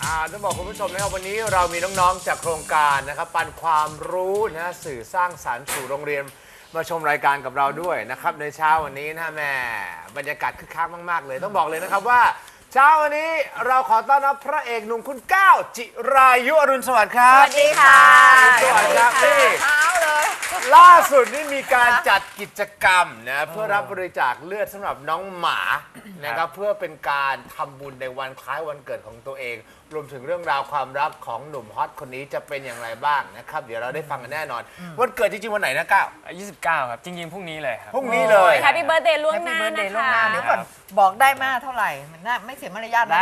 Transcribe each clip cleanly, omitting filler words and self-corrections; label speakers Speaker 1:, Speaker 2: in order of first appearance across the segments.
Speaker 1: ต้องบอกคุณผู้ชมนะครับวันนี้เรามีน้องๆจากโครงการนะครับปันความรู้นะสื่อสร้างสรรค์สู่โรงเรียนมาชมรายการกับเราด้วยนะครับในเช้าวันนี้นะแม่บรรยากาศคึกคักมากๆเลยต้องบอกเลยนะครับว่าเช้าวันนี้เราขอต้อนรับพระเอกหนุ่มคุณก้าวจิรายุอรุณสวัสดิ์ครับ
Speaker 2: สวัสดีค่ะ
Speaker 1: สวัสดีครับนี่
Speaker 2: เช้าเลย
Speaker 1: ล่าสุดนี่มีการจัดกิจกรรมนะเพื่อรับบริจาคเลือดสำหรับน้องหมานะครับเพื่อเป็นการทำบุญในวันคล้ายวันเกิดของตัวเองรวมถึงเรื่องราวความรักของหนุ่มฮอตคนนี้จะเป็นอย่างไรบ้างนะครับเดี๋ยวเราได้ฟังกันแน่นอนวันเกิดจริงๆวันไหนนะก้าว
Speaker 3: 29 ครับ จริงๆ พรุ่งนี้เลยครับ
Speaker 1: พรุ่งนี้เลย
Speaker 2: แฮปปี้เบิร์ดเดย์ล่วงหน้า
Speaker 4: Happy birthday
Speaker 2: นะ
Speaker 4: ล่วง
Speaker 2: คะ
Speaker 4: หน้าเดี๋ยวก่อนบอกได้มาเท่าไหร่มันน่าไม่เสียมารยาทนะ
Speaker 3: ได้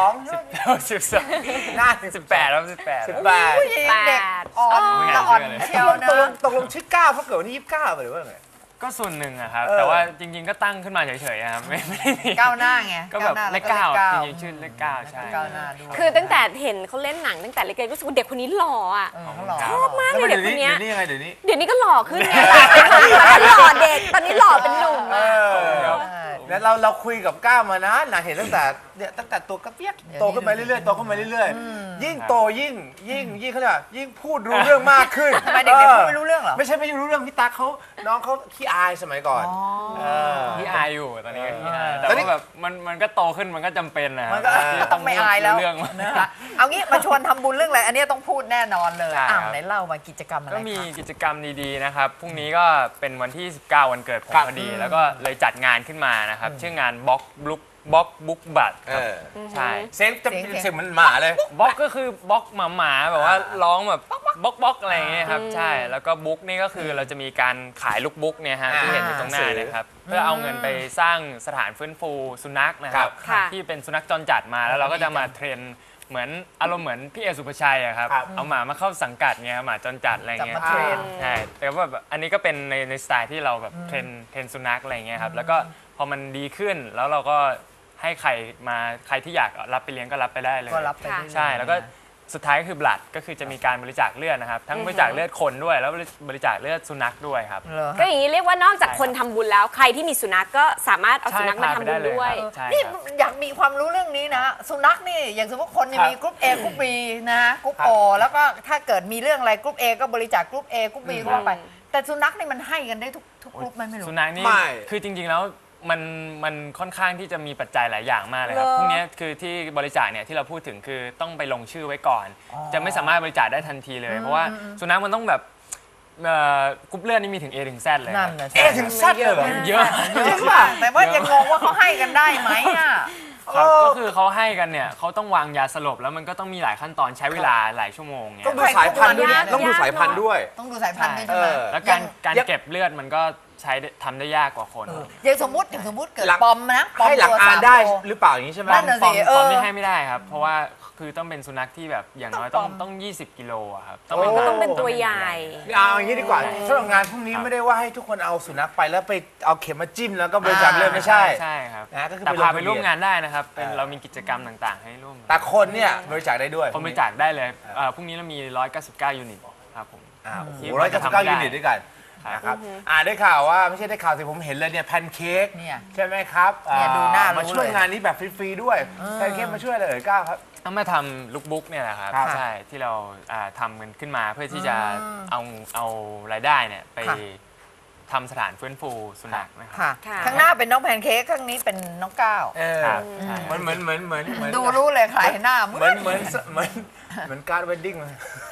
Speaker 1: 12 หน้า
Speaker 3: 18ครับ18
Speaker 4: ผู้หญิงเด็กอ่อนละอ่อนเชียวนะ
Speaker 1: ตกลงชื่อก้าวเพราะเกิดวันที่29หรือว่าไง
Speaker 3: ก็ส่วนหนึ่งอะครับ
Speaker 1: เออ
Speaker 3: แต่ว่าจริงๆ ก็ตั้งขึ้นมาเฉยๆอะครับไม่ได้มี
Speaker 4: ก้าวหน้าไง
Speaker 3: ก็แบบเลข
Speaker 4: ก้าว
Speaker 3: 9
Speaker 4: หน้า
Speaker 3: จริงๆชื่อเลข9ใช่
Speaker 4: ก้าวหน้าด้วย
Speaker 2: คือตั้งแต่เห็นเขาเล่นหนังตั้งแต่เล็กๆรู้สึกว่าเด็กคนนี้หล่ออ่ะ
Speaker 4: เขาหล่อ
Speaker 2: ชอบมากเลยเด็กคนเนี้ย
Speaker 1: เดี๋ยวนี้ยังไงเดี๋ยวนี้
Speaker 2: เดี๋ยวนี้ก็หล่อขึ้นไงตอนนั้นหล่อเด็กตอนนี้หล่อเป็นหนุ่ม
Speaker 1: เอ
Speaker 2: อะ
Speaker 1: อแล้วเราคุยกับก้าวมานะเห็นตั้งแต่ตัวกระเปียกโตขึ้นมาเรื่อยๆโตขึ้นมาเรื่อยๆยิ่งโตยิ่งเขาเรียกว่ายิ่งพูดรู้เรื่องมากขึ้น
Speaker 4: ทำไมเด็กๆพูดไม่รู้เรื่องเหรอ
Speaker 1: ไม่ใช่ไม่รู้เรื่องพี่ตั๊กเขาน้องเขาขี้อายสมัยก่อนเออ
Speaker 3: พี่อายอยู่ตอนนี้ก็พี่อายแต่
Speaker 1: ตอนนี้
Speaker 3: ว่าแบบมันก็โตขึ้นมันก็จำเป็นนะ
Speaker 4: มันก็
Speaker 3: ที่
Speaker 4: ต้องไม่อายแล้ว
Speaker 3: เรื่องมา
Speaker 4: นะคะเอางี้มาชวนทำบุญเรื่องอะไรอันนี้ต้องพูดแน่นอนเลย
Speaker 3: ใช่ครับ
Speaker 4: ไหนเล่ามากิจกรรมอะไร
Speaker 3: ก็มี
Speaker 4: คะ
Speaker 3: กิจกรรมดีๆนะครับพรุ่งนี้ก็เป็นวันที่ 19 วันเกิดผมพอดี แล้วก็เลยจัดงานขึ้นมานะครับชื่องานบล็อกบุ๊กบัตรครับใช่
Speaker 1: เสียงจะเสียงมันหมาเลย
Speaker 3: บล็อกก็คือบล็อกหมาๆแบบว่าร้องแบบบล็อกอะไรอย่างเงี้ยครับใช่แล้วก็บุ๊กนี่ก็คือเราจะมีการขายลูกบุ๊กเนี่ยฮะที่เห็นอยู่ตรงหน้าเนะครับเพื่อเอาเงินไปสร้างสถานฟื้นฟูสุนัขนะครับ
Speaker 2: ค่ะ
Speaker 3: ที่เป็นสุนัขจรจัดมาแล้วเราก็จะมาเทรนเหมือนอารมณ์เหมือนพี่เอสุภชัยอะครับเอาหมามาเข้าสังกัดเงี้ยหมาจรจัดอะไร
Speaker 4: จับ
Speaker 3: เงี้ย
Speaker 4: มาเทรน
Speaker 3: ใช่แต่ว่าแบบอันนี้ก็เป็นในสไตล์ที่เราแบบเทรนสุนัขอะไรเงี้ยครับแล้วก็พอมันดีขึ้นแล้วเราก็ให้ใครที่อยากรับไปเลี้ยงก็รับไปได้เลย
Speaker 4: ก็รับไปเรื่อยๆ
Speaker 3: ใช่แล้วก็สุดท้ายก็คือบลัดก็คือจะมีการบริจาคเลือดนะครับทั้งบริจาคเลือดคนด้วยแล้วบริจาคเลือดสุนัขด้วยครับ
Speaker 4: เหรอ
Speaker 2: ก็อย่างนี้เรียกว่านอกจากคนทำบุญแล้วใครที่มีสุนัขก็สามารถเอาสุนัขมาทำบุญด้วย
Speaker 3: ใช่
Speaker 4: นี่
Speaker 3: ครับ
Speaker 4: อยากมีความรู้เรื่องนี้นะสุนัขนี่อย่างสมมติคนเนี่ยมีกรุ๊ป A กรุ๊ป B นะกรุ๊ป O แล้วก็ถ้าเกิดมีเรื่องอะไรกรุ๊ป A ก็บริจาคกรุ๊ป A กรุ๊ป B ก็ว่าไป แต่สุนัขนี่มันให้กันได้ทุกกรุ๊ปไหมไม่รู้
Speaker 3: สุนัขนี่
Speaker 1: ไม่
Speaker 3: คือจริงๆแล้วมันค่อนข้างที่จะมีปัจจัยหลายอย่างมากเลยครับ
Speaker 2: เหรอ
Speaker 3: พวกนี้คือที่บริจาคเนี่ยที่เราพูดถึงคือต้องไปลงชื่อไว้ก่อน จะไม่สามารถบริจาคได้ทันทีเลย เพราะว่าสุนัขมันต้องแบบกรุ๊ปเลือดนี่มีถึง A ถึง Z เลย
Speaker 4: นั่นน่ะสิ
Speaker 1: เอ๊ะถึงสั้นเลยเหรอ
Speaker 3: เยอะ
Speaker 4: จริงป่ะแต่ว่ายังงงว่าเขาให้กันได้ไหมอ่ะ
Speaker 3: ครับก็คือเขาให้กันเนี่ยเขาต้องวางยาสลบแล้วมันก็ต้องมีหลายขั้นตอนใช้เวลาหลายชั่วโมงเนี่ย
Speaker 1: ต้องดูสายพันธุ์ด้วยนะต้องดูสายพันธุ์ด้วย
Speaker 4: ต้องดูสายพันธุ์ด้วยใช่ไหม
Speaker 3: แล้วการเก็บเลือดมันก็ทำได้ยากกว่าคน
Speaker 4: อย่างสมมติเกิด
Speaker 1: หลัก
Speaker 4: ปอมนะปอม
Speaker 1: ให้หลัก
Speaker 4: ตัว
Speaker 1: อา
Speaker 4: สาม
Speaker 1: ได้
Speaker 4: ตัว
Speaker 1: หรือเปล่าอย่างนี้ใช่ไหม
Speaker 4: นั่นน่ะ
Speaker 3: ปอม
Speaker 4: เออ
Speaker 3: นี่ให้ไม่ได้ครับ เพราะว่าคือต้องเป็นสุนัขที่แบบอย่างน้อยต้อง20 กิโลอะครับ
Speaker 2: ต้องเป็นตัวใหญ่
Speaker 1: เอาอย่างนี้ดีกว่าสำหรับงานพรุ่งนี้ไม่ได้ว่าให้ทุกคนเอาสุนัขไปแล้วไปเอาเข็มมาจิ้มแล้วก็บริจาคเลือดไม่ใช่
Speaker 3: ใช่ครับ
Speaker 1: นะก็คือ
Speaker 3: แต่
Speaker 1: ไปลง
Speaker 3: พา
Speaker 1: ทะเบียน
Speaker 3: ไปร่วมงานได้นะครับเป็น
Speaker 1: เออ
Speaker 3: เรามีกิจกรรมต่างๆ ให้ร่วม
Speaker 1: แต่คนเนี่ยบริจาคได้ด้วย
Speaker 3: คนบริจาคได้เลยพรุ่งนี้เรามี 199 ยูนิตครับผม
Speaker 1: โอ้โห199 ยูนิตด้วยกันนะครับได้ข่าวว่าไม่ใช่ได้ข่าวสิผมเห็นเลยเนี่ยแพนเค้ก
Speaker 4: เนี่ย
Speaker 1: ใช่ไหมครับ
Speaker 4: เนี่ยดูหน้ารู้
Speaker 1: มาช่วย
Speaker 4: เลย
Speaker 1: งานนี้แบบฟรีๆด้วยแพนเค้กมาช่วยอะไรก้าวครับ
Speaker 3: ต้องมาทำลุคบุ๊กเนี่ยแหละครับ
Speaker 1: ครับ
Speaker 3: ใช่ที่เราทำกันขึ้นมาเพื่อที่จะเอารายได้เนี่ยไป
Speaker 4: ค่ะ
Speaker 3: ทำสถานฟื้นฟูสุนัขนะครับ
Speaker 4: ค่ะ
Speaker 2: ค่ะ
Speaker 4: ข้างหน้าเป็นน้องแพนเค้กข้างนี้เป็นน้องก้าว
Speaker 3: ครับใช่
Speaker 1: เหมือน
Speaker 4: ดูรู้เลยใครหน้าเหมื
Speaker 1: เหมื
Speaker 4: อ
Speaker 1: อน นเหมือนเหมือนเหมือนการ์ดเวดดิ้งเลย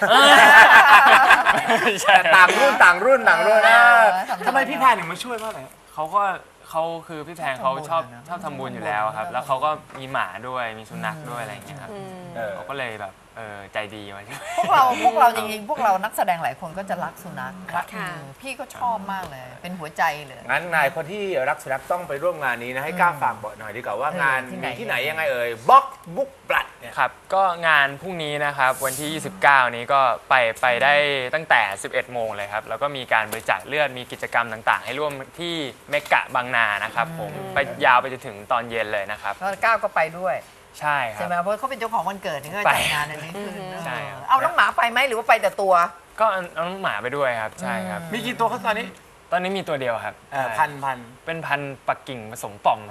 Speaker 3: ใช่
Speaker 1: ต่างรุ่นต่างรุ่นต่างรุ่นนะ
Speaker 4: ทำ
Speaker 1: ทำไมพี่แพนถึงมาช่วยเพราะอะไร
Speaker 3: เขาคือพี่แพงเขาชอบ
Speaker 4: ทำบุญนะ
Speaker 3: ชอบทำบุญอยู่แล้วครับ แล้วเขาก็มีหมาด้วยมีสุนัขด้วยอะไรอย่างเงี้ยครับเขาก็เลยแบบใจดีมาช่วย
Speaker 4: พวกเราจริงๆพวกเรานักแสดงหลายคนก็จะรักสุนัขรัก
Speaker 2: ค่ะ
Speaker 4: พี่ก็ชอบมากเลย เป็นหัวใจเลย
Speaker 1: งั้นนายคนที่รักสุนัขต้องไปร่วมงานนี้นะให้กล้าฝากบอกหน่อยดีกว่าว่างาน
Speaker 4: ที่ไหน
Speaker 1: มีที่ไหนยังไงเอ่ยบล็อกบุ๊กบลัดเนี่ย
Speaker 3: ครับก็งานพรุ่งนี้นะครับวันที่ 29 นี้ก็ไปได้ตั้งแต่ 11 โมงเลยครับแล้วก็มีการบริจาคเลือดมีกิจกรรมต่างๆ ให้ร่วมที่เมกะบางนานะครับผมไปยาวไปจนถึงตอนเย็นเลยนะครับ
Speaker 4: แล้วก้าวก็ไปด้วย
Speaker 3: ใช่ค
Speaker 4: ใช่
Speaker 3: รับ
Speaker 4: ไหมเพราะเขาเป็นเจ้าของวันเกิดนี่ก็
Speaker 3: ไป
Speaker 4: จัดงานอันนี้ขึ้น
Speaker 3: ใช่ครับ
Speaker 4: เอาน้องหมาไปไหมหรือว่าไปแต่ตัว
Speaker 3: ก็เอาน้องหมาไปด้วยครับใช่ครับ
Speaker 1: มีกี่ตัวครับตอนนี้
Speaker 3: ตอนนี้มีตัวเดียวครับ
Speaker 1: พัน
Speaker 3: เป็นพันธุ์ปักกิ่งผสมป่อมครับ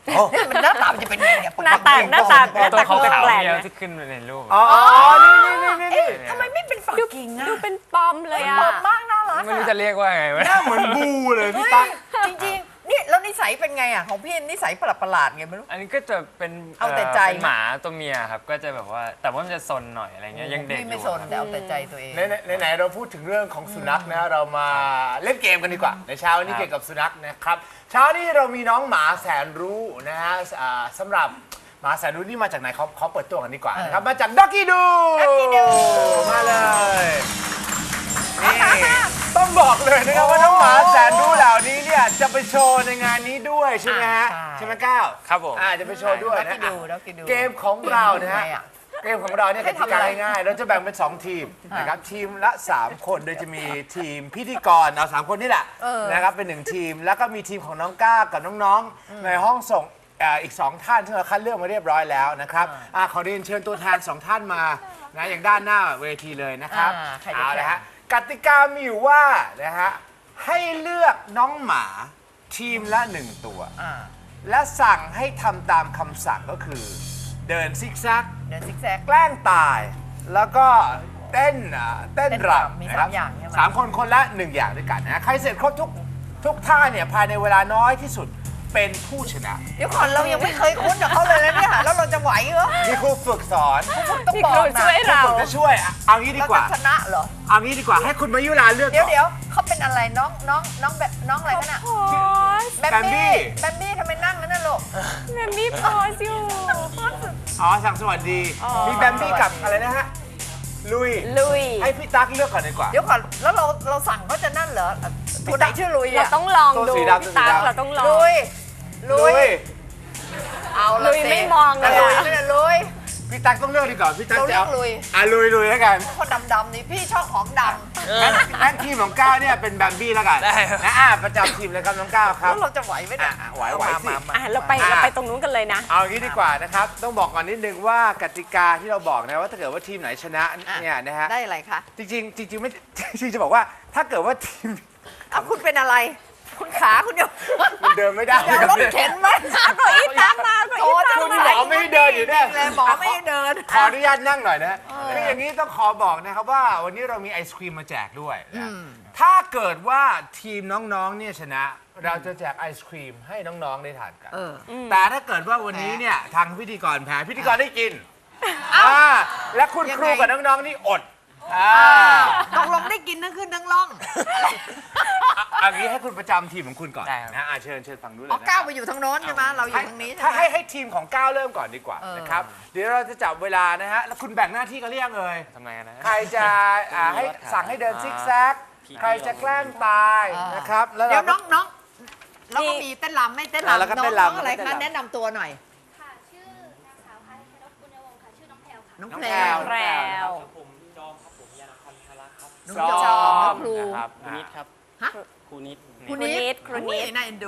Speaker 4: เนี่ยมันหน้าตามันจะเป็นยังไงเนี่ย
Speaker 2: หน้าตา
Speaker 3: ตัวขาว
Speaker 2: แปลก
Speaker 3: ๆ
Speaker 2: ๆ
Speaker 3: เนี่ย
Speaker 2: นะ
Speaker 3: ที่ขึ้นในรูป
Speaker 1: อ๋อนี่
Speaker 4: ทำไมไม่เป็นฝักกิ่งอะ
Speaker 2: ดูเป็นปอมเลยอะ
Speaker 4: ปอบมากน่ารัก
Speaker 3: ไม่รู้
Speaker 4: อะ
Speaker 3: จะเรียกว่าไงวะ
Speaker 1: หน้าเหมือนบูเลยพี่ตั๊ก
Speaker 4: จริงๆนี่แล้วนิสัยเป็นไงอ่ะของพี่นิสัยประหลาดๆไงไม่รู้
Speaker 3: อันนี้ก็จะเป็น
Speaker 4: เอาแต่ใจ
Speaker 3: เป็นหมาตัวเมียครับก็จะแบบว่าแต่ว่ามันจะซนหน่อยอะไรเงี้ยยังเด็กอ
Speaker 4: พี่ไม่
Speaker 3: ยู่
Speaker 4: สน
Speaker 3: ครับ
Speaker 4: แต่เอาแต่ใจตัวเอง
Speaker 1: ไหนเราพูดถึงเรื่องของสุนัขนะเรามาเล่นเกมกันดีกว่าในเช้านี้เกี่ยวกับสุนัขนะครับเช้านี้เรามีน้องหมาแสนรู้นะฮะสำหรับหมาแสนรู้นี่มาจากไหนเขาเปิดตัวกันดีกว่านะครับมาจากด็อกกี้ดู
Speaker 4: Doggy Doo
Speaker 1: มาเลยนี่ต้องบอกเลยนะครับว่าน้องหมาแสนรู้เหล่านี้เนี่ยจะไปโชว์ในงานนี้ด้วยใช่ไหมฮะ
Speaker 4: ใช่
Speaker 1: ใช่ไหมก้าว
Speaker 3: ครับผม
Speaker 1: จะไปโชว์ด้วยนะ
Speaker 4: Doggy Doo
Speaker 1: เกมของเรานะฮะ
Speaker 4: ทำไมอะ
Speaker 1: เกมของเราเนี่ยก
Speaker 4: ให้
Speaker 1: ติ
Speaker 4: ทำ
Speaker 1: กา
Speaker 4: อะไร
Speaker 1: ง่ายๆเราจะแบ่งเป็น 2 ทีมนะครับทีมละ 3 คนโดยจะมีทีมพิธีกรเอา3 คนนี่แหละนะครับเป็น 1 ทีม แล้วก็มีทีมของน้องก้ากับน้องๆในห้องส่งอีก 2 ท่านที่เราคัดเลือกมาเรียบร้อยแล้วนะครับขอเรียนเชิญตัวแทน 2 ท่านมานะอย่างด้านหน้าเวทีเลยนะครับ
Speaker 4: ใครจะ
Speaker 1: เอา
Speaker 4: แข่
Speaker 1: ละ
Speaker 4: ง
Speaker 1: ฮะกติกามีอยู่ว่านะฮะให้เลือกน้องหมาทีมละ 1 ตัว
Speaker 4: อ่า
Speaker 1: และสั่งให้ทำตามคำสั่งก็คือเดินซิกแซก
Speaker 4: เดินซิกแซก
Speaker 1: แกล้งตาย แล้วก็เต้นรำ
Speaker 4: มี
Speaker 1: นะครับ
Speaker 4: 3อย่างใช่ไหม
Speaker 1: สามคนคนละ 1 อย่างด้วยกันนะใครเสร็จครบทุกท่าเนี่ยภายในเวลาน้อยที่สุดเป็นผู้ชนะ
Speaker 4: เดี๋ยวก่อนเรายังไม่เคยคุ้นกับเขาเลยนะเนี่ยแล้วเราจะไหวเหรอ
Speaker 1: มีครูฝึกสอน
Speaker 4: ต้อง
Speaker 2: พี่
Speaker 4: บอ
Speaker 2: ครู
Speaker 4: กนะ
Speaker 2: ช่วยเรา
Speaker 1: ผมจะช่วยเอางี้ดี
Speaker 4: เรา
Speaker 1: กว่า
Speaker 4: จะชนะเหรอ
Speaker 1: เอางี้ดีกว่าให้คุณมายุราเลือก
Speaker 4: เดี๋ยว
Speaker 1: ก่อน
Speaker 4: เดี๋ยวเขาเป็นอะไรน้องแบบน้องอะไรกันอะ
Speaker 2: โอ้ย
Speaker 4: แบมบี้ทำไมนั่งนั่นน่ะลูก
Speaker 2: แมมมี่โพสอยู่
Speaker 1: อ๋อสั่งสวัสดี มีแบมบี้กับอะไรนะฮะลุย
Speaker 2: ลุย
Speaker 1: ให้พี่ตั๊กเลือกก่อนดีกว่า
Speaker 4: เดี๋ยวก่อนแล้วเราสั่งเขาจะนั่นเหรอตัวไหนชื่อลุย
Speaker 2: เรา
Speaker 4: อะ
Speaker 2: ต้องลอง
Speaker 1: ตัว
Speaker 2: ดู
Speaker 1: สีดำ
Speaker 2: พี่ตั๊ก
Speaker 1: ตัวสีดำ
Speaker 2: เราต้องลอง
Speaker 4: ลุยเอาละ
Speaker 2: ลุยไม่มองเลย
Speaker 4: ลุ
Speaker 2: อะ
Speaker 4: ยไม่ได้ลุย
Speaker 1: พี่ตั๊กต้องเลือกดีกว่าพี่ตั๊ก
Speaker 4: เรา
Speaker 1: จะ
Speaker 4: เลือ
Speaker 1: เอา
Speaker 4: กลุย
Speaker 1: ลุยแล้วกัน
Speaker 4: คนดำๆนี่พี่ชอบของด
Speaker 1: งั้นทีมของก้าวเนี่ยเป็นแบมบี้แล้วกัน
Speaker 3: ได้ครับ
Speaker 1: นะประจำทีมเลยครับน้องก้าว
Speaker 4: ำ
Speaker 1: ครับ
Speaker 4: แล้วเราจะไหวไหมเนี่ย
Speaker 1: ไหวสิ
Speaker 2: อ่ะเราไปตรงนู้นกันเลยนะ
Speaker 1: เอางี้ดีกว่านะครับ ต้องบอกก่อนนิดนึงว่ากติกาที่เราบอกนะว่าถ้าเกิดว่าทีมไหนชนะเนี่ยนะฮะ
Speaker 4: ได้อะไรคะ
Speaker 1: จริงไม่ จริงจะบอกว่าถ้าเกิดว่าทีม
Speaker 4: เอาคุณเป็นอะไร คุณขาคุณเดียว
Speaker 1: มันเดินไม่ได้
Speaker 4: อย่ารถเข็นไหม
Speaker 2: เก้าอี้ตั้งมาเก้าอี้ตั้ง
Speaker 1: คุณ
Speaker 2: มา
Speaker 1: หมอไม่ให้เดินอยู่เนี่ย
Speaker 4: เลยหมอไม่ให้เดิน
Speaker 1: ขออนุญาตนั่งหน่อยนะคืออย่างนี้ต้องขอบอกนะครับว่าวันนี้เรามีไอศครีมมาแจกด้วยนะถ้าเกิดว่าทีมน้องๆเนี่ยชนะ เราจะแจกไอศครีมให้น้องๆได้ทานกัน แต่ถ้าเกิดว่าวันนี้เนี่ยทางพิธีกรแพ้พิธีกรได้กินและคุณครูกับน้องๆนี่อด
Speaker 4: ตกลงได้กินทั้งขึ้นทั้งล่อง
Speaker 1: อันนี้ให้คุณประจำทีมของคุณก่อน
Speaker 3: ได้ครับ
Speaker 1: นะเชิญฝั่งนู้นเลย
Speaker 4: อ๋อ
Speaker 1: นะ
Speaker 4: ก้าวไปอยู่ทางโน้นใช่ไหมเราอยู่ทางนี้ใช่
Speaker 1: ถ้า
Speaker 4: ไหม
Speaker 1: ให้ทีมของก้าวเริ่มก่อนดีกว่านะครับเดี๋ยวเราจะจับเวลานะฮะแล้วคุณแบ่งหน้าที่กันหรือยังเอ่ย
Speaker 3: ทำไมกันนะ
Speaker 1: ใครจะให้สั่งให้เดินซิกแซกใครจะแกล้งตายนะครับแล้ว
Speaker 4: เดี๋ยว
Speaker 1: เรา
Speaker 4: น้องแล้วก็มีเต้นรำไม่เต้น
Speaker 1: แล้วก็
Speaker 4: รำน้
Speaker 1: เต้น
Speaker 4: อง
Speaker 1: รำ
Speaker 4: อะไร
Speaker 1: เต้น
Speaker 4: คะ
Speaker 1: รำ
Speaker 4: แนะนำตัวหน่อย
Speaker 5: ค่ะ ชื่อนางสาวพาณิชนกบุญยวงศ์ค่ะ ชื่อน้องแพรวค่ะ
Speaker 4: น้อง
Speaker 1: น้อง
Speaker 4: แพร
Speaker 1: แพร
Speaker 4: ว
Speaker 1: ว
Speaker 2: แพรว
Speaker 6: ผมจอมครับผมยานพันธลักษ์ครับ
Speaker 4: น้องจอมน้องครู
Speaker 3: นะครับ
Speaker 6: ครูนิดครับ
Speaker 4: ฮะ
Speaker 6: ครูนิด
Speaker 4: ครูนิด
Speaker 2: ครูนิด
Speaker 4: น่าเอ็นดู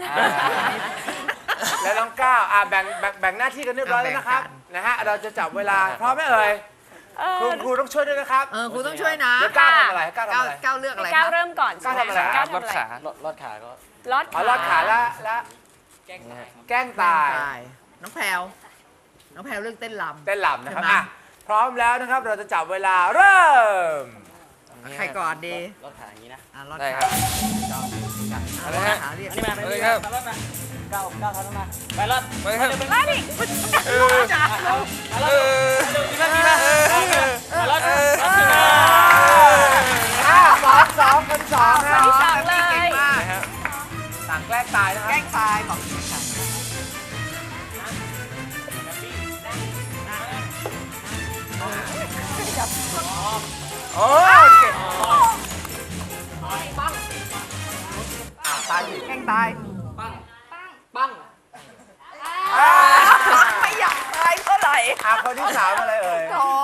Speaker 1: แล้วน้องก้าวแบ่งหน้าที่กันเรียบร้อยแล้วนะครับ
Speaker 4: แบ่งกัน
Speaker 1: นะฮะเราจะจับเวลาพร้อมไหมเอ่ยครูต้องช่วยด้วยนะครับ
Speaker 4: ครูต้องช่วยนะ
Speaker 1: เดี๋ยวก้าวทำอะไรก้าวทำ
Speaker 4: ก้าว
Speaker 1: อะไร
Speaker 4: ก้าวเลือกอะไร
Speaker 2: ก้าว
Speaker 4: คะ
Speaker 2: เริ่มก่อน
Speaker 1: ก้าวทำอะไร
Speaker 2: ก้าว
Speaker 3: ร
Speaker 2: ทำ
Speaker 3: ถ
Speaker 2: อะไร
Speaker 3: ขา
Speaker 6: รอดขาก็
Speaker 2: ลอด
Speaker 1: อ๋อรอดขาแล้วแกล้งตาย
Speaker 4: น้องแพรวน้องแพรวเลือกเต้นรำ
Speaker 1: เต้นลำนะครับ
Speaker 4: ใช่ไหม
Speaker 1: พร้อมแล้วนะครับเราจะจับเวลาเริ่ม
Speaker 4: ใครก่อนดี
Speaker 6: รอดขาอย่างนี้นะ
Speaker 4: รอด
Speaker 3: ได้
Speaker 4: ขา
Speaker 3: ครับ
Speaker 4: รอดขาเรียก
Speaker 6: อันนี้มา
Speaker 3: เลยครับ
Speaker 6: รอดมาก้าวเท้ามาไปรอด
Speaker 3: ไปครับ
Speaker 2: มาดิ
Speaker 4: จ้ะ
Speaker 6: มีมามีมารอดขึ้นมา
Speaker 1: 2 คนสองนะ
Speaker 2: ที่สองเลย
Speaker 4: เก่งมาก
Speaker 1: สั่งแกล้งตายนะค
Speaker 4: แก
Speaker 1: รั
Speaker 4: ล้
Speaker 1: บ
Speaker 4: งตายบอกแกล้งตาย
Speaker 1: โอ้ยเก่งตายสิ
Speaker 4: แกล้งตาย
Speaker 6: ปั้ง
Speaker 4: ไม่อยากตายเท่าไหร่
Speaker 1: คนที่ 3อะไรเอ่ย
Speaker 4: ขอ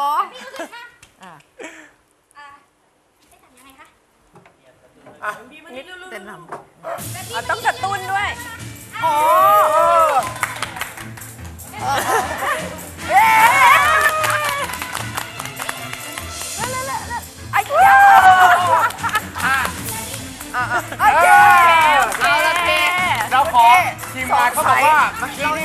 Speaker 5: ได้สั่งยังไงคะ
Speaker 4: เต้นรำ
Speaker 2: ต้องกระตุ้นด้วย
Speaker 4: อ๋อไอ้เจ้าไอ้เจ้าเอาละเท
Speaker 1: เราขอทีมงานเขาบอกว่าเมื่อกี้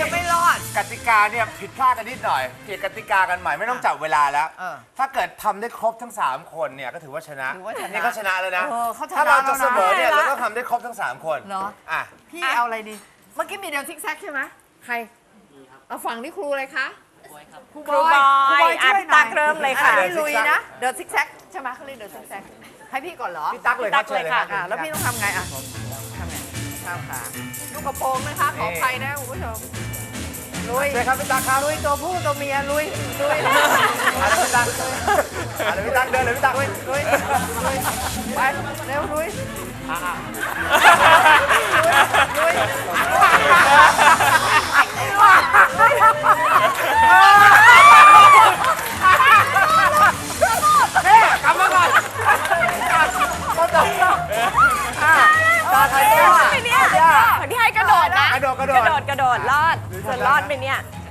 Speaker 1: เนี่ยผิดพลาดกันนิดหน่อยเปลี่ยนกติกากันใหม่ไม่ต้องจับเวลาแล้ว ถ้าเกิดทำได้ครบทั้ง 3 คนเนี่ยก็ถือว่าชนะ
Speaker 4: ถือว่าชนะ
Speaker 1: นี่เขาชนะแล้วนะ
Speaker 4: เขาชนะ
Speaker 1: ถ้าเราจะเสมอ
Speaker 4: แล้วนะ
Speaker 1: เนี่ยเราต้องทำได้ครบทั้ง 3 คน
Speaker 4: เหรอ
Speaker 1: อ่ะ
Speaker 4: พี่เอาอะไรดี เมื่อกี้มีเดินซิกแซกใช่ไหมใครเอาฝั่งนี้ครูเลยคะครู
Speaker 2: ครูบอย
Speaker 4: ครูบอยช่วยหน่
Speaker 2: ตั
Speaker 4: อย
Speaker 2: กเริ่มเลยค่ะ
Speaker 4: อันนี้ลุยนะเดินซิกแซกใช่ไหมเขาเรียกเดินซิกแซกให้พี่ก่อนเหรอ
Speaker 1: พี่ตั๊กเลยครับเชิญเลยครับ
Speaker 4: แล้วพี่ต้องทำไงอ่ะทำไงข้ามขาลูกกระโปรงนะคะขออภัยนะคุณผู้ชมลุย
Speaker 1: เชิญครับพี่ตั๊กครับ
Speaker 4: ลุยตัวผู้ตัวเมียลุยลุย
Speaker 1: อะไรพี่ตั๊กอะไรพี่ตั๊กเดินเลยพี่ตั๊ก
Speaker 4: ลุยลุยไปเร็วลุยลุย
Speaker 1: กลับมาก่อนตาใครแก้ว
Speaker 2: ไปเนี่ยคนที่ให้กระโดดนะ
Speaker 1: กระโดด
Speaker 2: กระโดดรอดส่วนรอดไปเนี่ย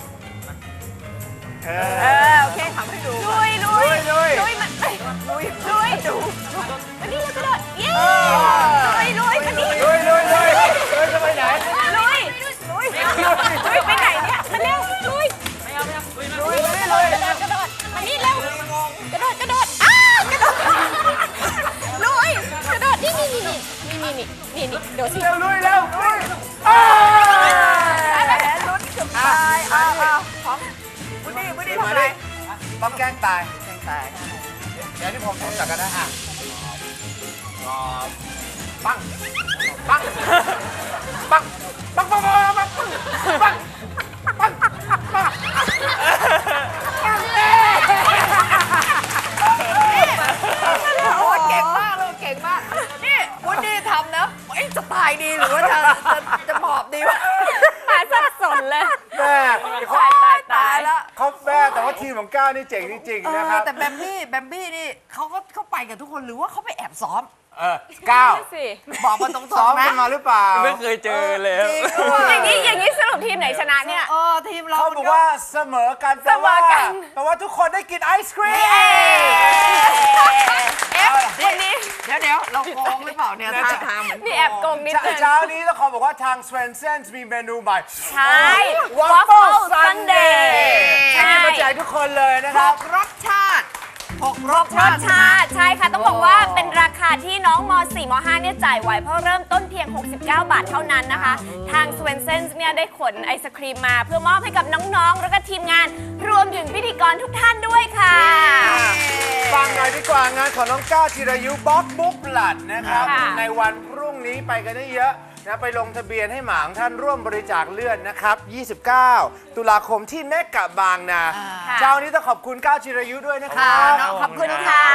Speaker 2: โอเคทำให้ดูลุยลุยลุยมันลุยลุยดูอันนี้เรากระโดดเย้ลุยลุยมันนี่
Speaker 1: ลุยจะไปไหน
Speaker 2: ลุยลุยลุยไปไหนเนี่ยมาเร็วลุยลุยกระโดดมานี่เร็วกระโดดอ้ากระโดดลุยกระโดดนี่โดดสิ
Speaker 1: เร็วลุยเร็ว
Speaker 4: อะไรลุ้นเกือบตายเอาของบุดี้ทำอะไร
Speaker 1: ต้องแกล้งตาย
Speaker 4: แข่งตาย
Speaker 1: เดี๋ยวที่ผมจัดกันนะอ่ะปังปังปังปังปังปังปังปังปังปัง
Speaker 4: โอ้เก่งมากเลยเก่งมากนี่บุดี้ทำนะจะตายดีหรือว่าจะหมอบดีวะ
Speaker 2: หาสับสนเลย
Speaker 1: แม่
Speaker 2: ตาย
Speaker 4: แล้ว
Speaker 1: เขาแม่แต่ว่าทีมของก้าวนี่เจ๋งจริงๆนะครับ
Speaker 4: แต่แบมบี้นี่เขาไปกับทุกคนหรือว่าเขาไปแอบซ้อม
Speaker 1: ก้าว
Speaker 2: สิ
Speaker 4: บอกมาตรงๆนะ
Speaker 1: ซ้อมกันมาหรือเปล่า
Speaker 3: ไม่เคยเจอเลยครับ
Speaker 2: อย่างนี้สรุปทีมไหนชนะเนี่ย
Speaker 4: ทีมเรา
Speaker 1: เขาบอกว่าเสมอกันแปลว่า
Speaker 2: เสมอกัน
Speaker 1: แปลว่าทุกคนได้กินไอศครีม
Speaker 2: วันนี้
Speaker 4: เดี๋ยวเราโกงหรือเปล่าเนี่ยท่าทางเหมือน
Speaker 2: นี่แอบโกงนิดนึง
Speaker 1: เช้านี้ต้องขอบอกว่าทาง Swensen's มีเมนูใหม่
Speaker 2: ใช่
Speaker 1: Waffle Sunday
Speaker 2: ใช่
Speaker 1: ให้มาแจกทุกคนเลยนะค
Speaker 4: ห
Speaker 1: รับ
Speaker 4: กรสชาติหกรส
Speaker 2: รสชาติใช่ค่ะ ต้องบอกว่าเป็นราคาที่น้องม .4 ม .5 เนี่ยจ่ายไหวเพราะเริ่มต้นเพียง 69 บาทเท่านั้นนะคะ ทาง Swensen's เนี่ยได้ขนไอศครีมมาเพื่อมอบให้กับน้องๆ แล้วก็ทีมงาน รวมถึงพิธีกรทุกท่านด้วยค่ะ
Speaker 1: ฟังหน่อยดีกว่างานของน้องก้าวจิรายุบ๊อบบุ๊กบลัดนะครับ
Speaker 2: ค่ะ
Speaker 1: ในวันพรุ่งนี้ไปกันได้เยอะนะไปลงทะเบียนให้หมางท่านร่วมบริจาคเลือดนะครับ 29 ตุลาคมที่เมกะบางนา
Speaker 2: ค่ะ
Speaker 1: เช้านี้ต้องขอบคุณก้าวจิรายุด้วยนะค
Speaker 4: ค่ะ
Speaker 1: รับ
Speaker 4: น้อง
Speaker 2: ขอบคุณค่ะ